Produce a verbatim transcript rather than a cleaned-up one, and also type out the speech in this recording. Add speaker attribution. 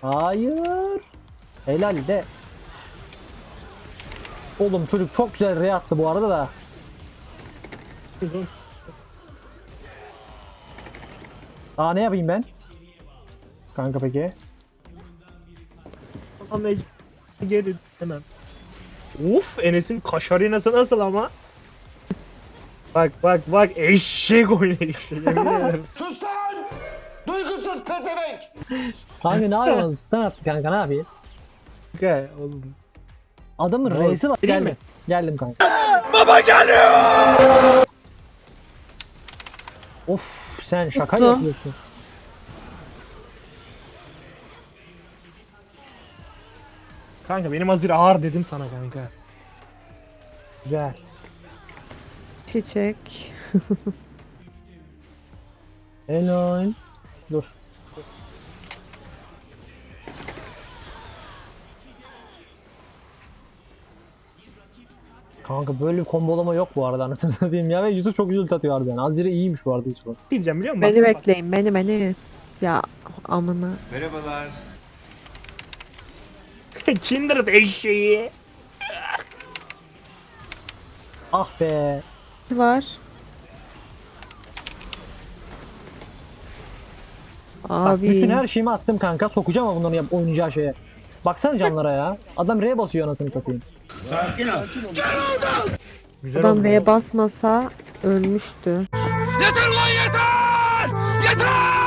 Speaker 1: Hayır. Helal de. Oğlum çocuk çok güzel re attı bu arada da. Aa ne yapayım ben? Kanka peki.
Speaker 2: Ama geri hemen. Uf, Enes'in kaşarinası nasıl ama? Bak bak bak, eşek oynayışı, yemin ederim.
Speaker 3: Sus lan! Duygusuz pezevenk!
Speaker 1: Kanka ne yapıyorsun? Stun attı kanka, ne yapayım?
Speaker 2: Gel oğlum.
Speaker 1: Adamın
Speaker 2: Ne oldu?
Speaker 1: reisi var.
Speaker 2: Gireyim
Speaker 1: Geldim.
Speaker 2: mi?
Speaker 1: Geldim kanka. Baba geliyor! Of sen şaka
Speaker 4: Mutlu.
Speaker 1: yapıyorsun.
Speaker 2: Kanka benim hazır ağır dedim sana kanka.
Speaker 1: Güzel.
Speaker 4: Çiçek.
Speaker 1: Helal. Dur. Kanka böyle bir kombolama yok bu arada, anasını satayım ya, ve Yusuf çok güzel atıyor harbiden. Azire iyiymiş bu arada Yusuf.
Speaker 2: Diyeceğim biliyor musun?
Speaker 4: Beni
Speaker 2: Bak, bak.
Speaker 4: bekleyin, beni beni. Ya amına.
Speaker 3: Merhabalar.
Speaker 2: Kindred eşeği.
Speaker 1: Ah be.
Speaker 4: Var.
Speaker 1: Bak bütün
Speaker 4: Abi.
Speaker 1: her şeyimi attım kanka, sokacağım ama bunların yap oynayacağı şeye. Baksana canlara ya. Adam R basıyor anasını satayım.
Speaker 2: Güzel
Speaker 4: Adam
Speaker 2: oldu.
Speaker 4: V'ye basmasa ölmüştü.
Speaker 3: Yeter lan yeter! Yeter!